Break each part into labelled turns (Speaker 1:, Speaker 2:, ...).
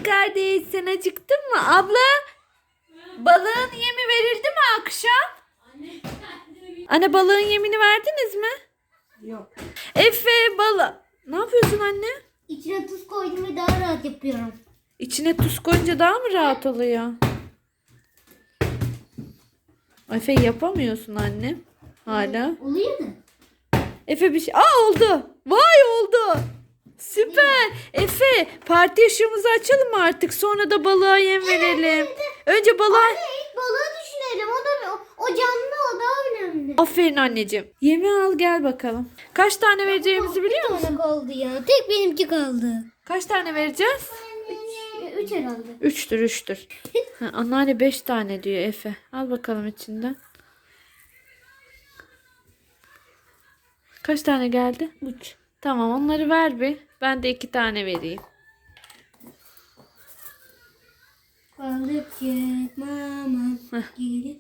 Speaker 1: Balık kardeş, sen acıktın mı? Abla, balığın yemi verildi mi akşam? Anne, balığın yemini verdiniz mi?
Speaker 2: Yok.
Speaker 1: Efe, ne yapıyorsun anne?
Speaker 2: İçine tuz koydum ve daha rahat yapıyorum.
Speaker 1: İçine tuz koyunca daha mı rahat oluyor? Efe, yapamıyorsun anne. Hala.
Speaker 2: Oluyor da.
Speaker 1: Efe bir şey... oldu. Vay, oldu. Süper. Efe, parti ışığımızı açalım mı artık? Sonra da balığa yem verelim. Önce balığa...
Speaker 2: Anne ilk balığı düşünelim. O canlı, o daha önemli.
Speaker 1: Aferin anneciğim. Yemi al gel bakalım. Kaç tane vereceğimizi biliyor musun?
Speaker 2: Bir tane kaldı ya. Tek benimki kaldı.
Speaker 1: Kaç tane vereceğiz?
Speaker 2: 3 herhalde.
Speaker 1: 3'tür. Anneanne 5 tane diyor Efe. Al bakalım içinden. Kaç tane geldi? 3. Tamam, onları ver bir. Ben de 2 tane vereyim.
Speaker 2: Balıkçık mama gelip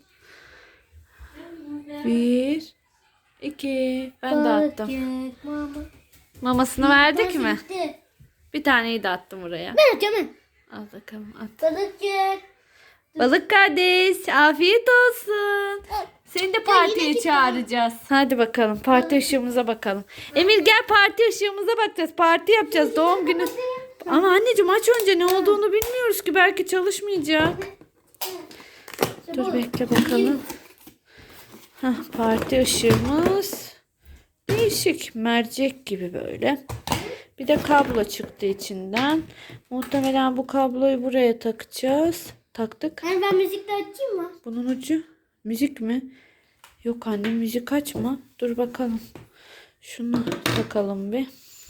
Speaker 1: 1 2. Ben de attım.
Speaker 2: balıkçık mama.
Speaker 1: Mamasını verdik mi?
Speaker 2: Bitti.
Speaker 1: Bir taneyi de attım buraya.
Speaker 2: Ben atacağım ben.
Speaker 1: Al bakalım, at.
Speaker 2: Balıkçık.
Speaker 1: Balık kardeş, afiyet olsun. Seni de partiye
Speaker 2: yine
Speaker 1: çağıracağız. Hadi bakalım, parti ışığımıza bakalım. Emir, gel, parti ışığımıza bakacağız. Parti yapacağız, doğum günü. Ama anneciğim, aç önce, ne olduğunu bilmiyoruz ki, belki çalışmayacak. Dur bekle bakalım. Parti ışığımız değişik, mercek gibi böyle. Bir de kablo çıktı içinden. Muhtemelen bu kabloyu buraya takacağız. Taktık.
Speaker 2: Yani ben müzik de açayım mı?
Speaker 1: Bunun ucu müzik mi? Yok anne, müzik açma. Dur bakalım. Şunu takalım bir.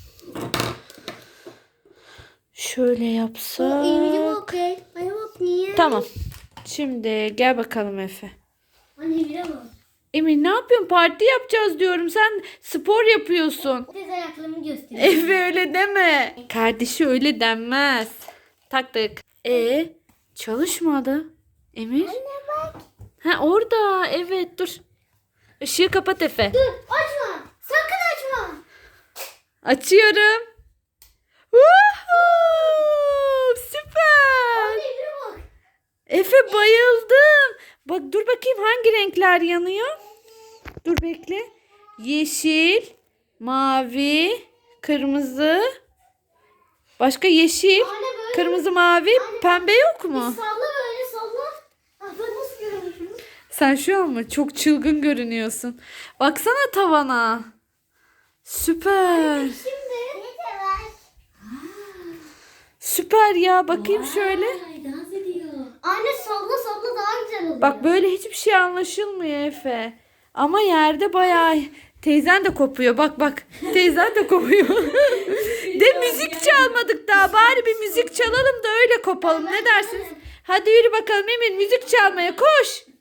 Speaker 1: Şöyle yapsak.
Speaker 2: Okey. Ay bak niye?
Speaker 1: Tamam. Şimdi gel bakalım Efe.
Speaker 2: Anne bir bak.
Speaker 1: Emir, ne yapıyorsun? Parti yapacağız diyorum. Sen spor yapıyorsun.
Speaker 2: Tez ayaklarımı göstereyim.
Speaker 1: Efe, öyle deme. Kardeşi öyle denmez. Taktık. Çalışmadı. Emir.
Speaker 2: Anne bak.
Speaker 1: Orada. Evet, dur. Işığı kapat Efe.
Speaker 2: Dur açma. Sakın açma.
Speaker 1: Açıyorum. Woohoo! Süper.
Speaker 2: Anne bir bak.
Speaker 1: Efe, bayıldım. Bak, dur bakayım hangi renkler yanıyor. Dur bekle. Yeşil, mavi, kırmızı. Başka yeşil,
Speaker 2: Anne böyle.
Speaker 1: kırmızı, mavi, pembe yok mu?
Speaker 2: Salla böyle salla. Ah, ben nasıl görüyormuşum?
Speaker 1: Sen şu an mı? Çok çılgın görünüyorsun. Baksana tavana. Süper.
Speaker 2: Şimdi. Ne var?
Speaker 1: Süper ya. Bakayım şöyle.
Speaker 2: Ay dans ediyor. Anne salla salla daha güzel oluyor.
Speaker 1: Bak, böyle hiçbir şey anlaşılmıyor Efe. Ama yerde bayağı... Teyzen de kopuyor. Bak. Teyzen de kopuyor. De müzik çalmadık daha. Bari bir müzik çalalım da öyle kopalım. Ne dersiniz? Hadi yürü bakalım Emir. Müzik çalmaya koş.